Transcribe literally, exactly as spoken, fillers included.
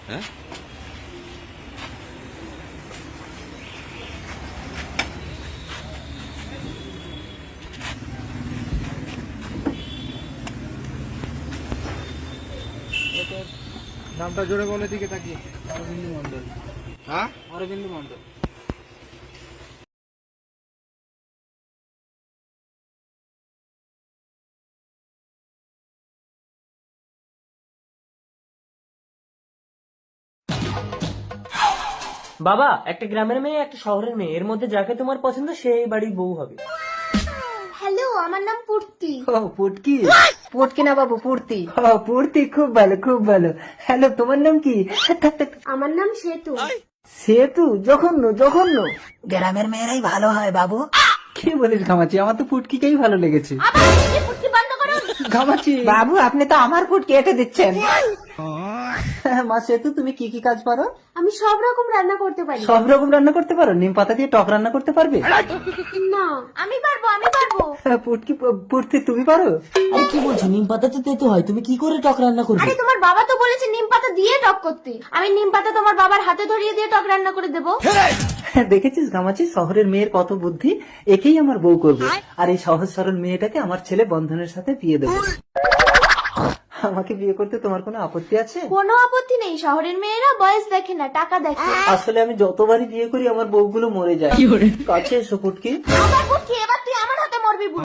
হ্যাঁ নামটা জোরে বলে দিকে তাকিয়ে। অরবিন্দু মন্ডল। হ্যাঁ অরবিন্দু মন্ডল। বাবা, একটা গ্রামের মেয়ে একটা শহরের মেয়ে, এর মধ্যে যাকে তোমার পছন্দ সে এই বাড়ির বউ হবে। হ্যালো, আমার নাম পূর্তি। ও পুটকি। পুটকি না বাবু, পূর্তি। ও পুটকি, খুব ভালো খুব ভালো। হ্যালো, তোমার নাম কি? আমার নাম সেতু। সেতু? জঘন্য জঘন্য। গ্রামের মেয়েরাই ভালো হয় বাবু। কি বলিস ঘামাচি, আমার তো পুটকিকেই ভালো লেগেছে। আবার এই পুটকি বন্ধ করুন। ঘামাচি। বাবু আপনি তো আমার পুটকি এঁটে দিচ্ছেন। মা সেতু, তুমি কি কি কাজ পারো? আমি সব রকম রান্না করতে পারি। সব রকম রান্না করতে পারো? নিম পাতা দিয়ে টক রান্না করতে পারবে? না, আমি পারবো আমি পারবো। পুটকি পুটকি তুমি পারো? আরে কি বলছো, নিম পাতা তো তেতো হয়, তুমি কি করে টক রান্না করবে? আরে তোমার বাবা তো বলেছে নিম পাতা দিয়ে টক করতে। আমি নিম পাতা তোমার বাবার হাতে ধরিয়ে দিয়ে টক রান্না করে দেবো। দেখেছিস ঘামাচি, শহরের মেয়ের কত বুদ্ধি। একেই আমার বউ করবে, আর এই সহজ সরল মেয়েটাকে আমার ছেলে বন্ধনের সাথে বিয়ে দেবো। আমাকে বিয়ে করতে তোমার কোনো আপত্তি আছে? কোনো আপত্তি নেই, শহরের মেয়েরা বয়স দেখে না, টাকা দেখে। আসলে আমি যতবারই বিয়ে করি আমার বউগুলো মরে যায়। কাছে এসো পুটকি। আবার পুটকি, এবার তুই আমার হাতে মরবি।